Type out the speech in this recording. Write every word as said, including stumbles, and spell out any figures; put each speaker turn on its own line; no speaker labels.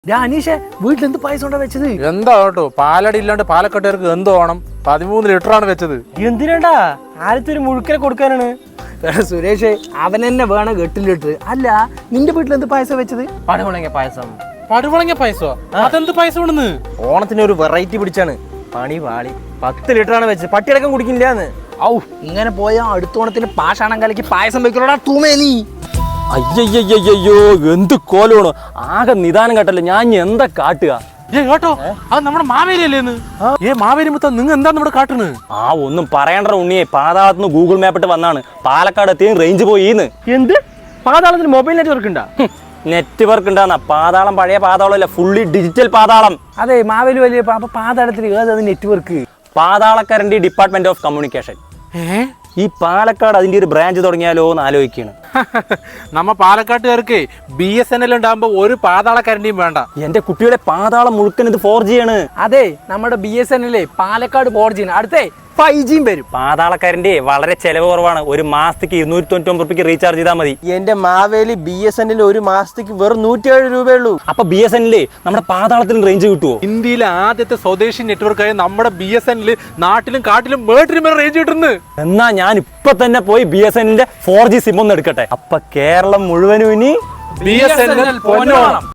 അനീഷെ വീട്ടിൽ എന്ത് പായസം കൊണ്ടാ വെച്ചത്?
എന്താ കേട്ടോ, പാലടി ഇല്ലാണ്ട് പാലക്കാട്ടുകാർക്ക് എന്ത് വേണം? പതിമൂന്ന് ലിറ്റർ ആണ് വെച്ചത്.
എന്തിനാണ്ടാ? ആദ്യത്തെ ഒരു മുഴുക്കനെ കൊടുക്കാനാണ്.
സുരേഷ് അവൻ തന്നെ വേണം എട്ട് ലിറ്റർ. അല്ല നിന്റെ വീട്ടിൽ എന്ത് പായസം വെച്ചത്?
പടമുളങ്ങ പായസം.
പടുവളങ്ങിയ പായസോ? അതെന്ത് പായസം ഉണ്ടെന്ന്?
ഓണത്തിന് ഒരു വെറൈറ്റി പിടിച്ചാണ്. പണി പാളി. പത്ത് ലിറ്റർ ആണ് വെച്ചത്. പട്ടിയടക്കം കുടിക്കില്ലാന്ന്.
ഔ ഇങ്ങനെ പോയാ അടുത്തോണത്തിന് പാഷാണം കലക്കി പായസം വെക്കണോടാ തൂമേ നീ.
അയ്യയ്യോ എന്ത് കോലാണ്, ആകെ നിദാനം കേട്ടല്ലോ. ഞാൻ എന്താ കാട്ടുക?
ഏ കേട്ടോ, അത് നമ്മുടെ മാവേലി അല്ലേന്ന്? ഏ മാവേലി മുത്ത നിങ്ങൾ എന്താ നമ്മുടെ കാട്ടുന്നത്?
ആ ഒന്നും പറയണ്ട ഉണ്ണിയെ, പാതാളത്തുനിന്ന് ഗൂഗിൾ മാപ്പിട്ട് വന്നാണ്. പാലക്കാട് എത്തിയും റേഞ്ച് പോയിന്ന്.
എന്ത്? പാതാളത്തിന് മൊബൈൽ നെറ്റ്വർക്ക് ഉണ്ടാ?
നെറ്റ്വർക്ക് ഉണ്ടാന്ന പാതാളം പഴയ പാതാളം അല്ല, ഫുള്ളി ഡിജിറ്റൽ പാതാളം.
അതെ മാവേലി വലിയ അപ്പൊ പാതാളത്തിന് ഏത് നെറ്റ്വർക്ക്?
പാതാളക്കരന്റെ ഡിപ്പാർട്ട്മെന്റ് ഓഫ് കമ്മ്യൂണിക്കേഷൻ.
ഏ
ഈ പാലക്കാട് അതിന്റെ ഒരു ബ്രാഞ്ച് തുടങ്ങിയാലോ എന്ന് ആലോചിക്കുകയാണ്.
നമ്മ പാലക്കാട്ടുകാർക്ക് ബി എസ് എൻ എൽ ഉണ്ടാകുമ്പോ ഒരു പാതാളക്കാരൻ്റെയും വേണ്ട.
എന്റെ കുട്ടിയുടെ പാതാളം മുഴുക്കൻ ഇത് ഫോർ ജി ആണ്.
അതെ നമ്മുടെ B S N L Palakkad four G അടുത്തേ ഫൈവ് ജിയും വരും.
പാതാളക്കാരന്റെ വളരെ ചെലവ് കുറവാണ്. ഒരു മാസത്തേക്ക് ഇരുന്നൂറ്റി തൊണ്ണൂറ്റി ഒമ്പത് റുപ്യക്ക് റീചാർജ് ചെയ്താൽ മതി.
എന്റെ Maveli B S N L ഒരു മാസത്തേക്ക് വെറും നൂറ്റിയേഴ് രൂപയുള്ളൂ.
അപ്പൊ ബി എസ് എൻ എൽ നമ്മുടെ പാതാളത്തിന് റേഞ്ച് കിട്ടുമോ?
ഇന്ത്യയിലെ ആദ്യത്തെ സ്വദേശി നെറ്റ്വർക്കായ നമ്മുടെ ബി എസ് എൻ എൽ നാട്ടിലും കാട്ടിലും വേട്ടിലും വരെ റേഞ്ച് കിട്ടുന്നു.
എന്നാ ഞാൻ ഇപ്പൊ തന്നെ പോയി ബി എസ് എൻ എല്ലിന്റെ ഫോർ ജി സിം ഒന്ന് എടുക്കട്ടെ. അപ്പൊ കേരളം മുഴുവനും ഇനി
ബി എസ് എൻ എൽ പൊന്നോണം.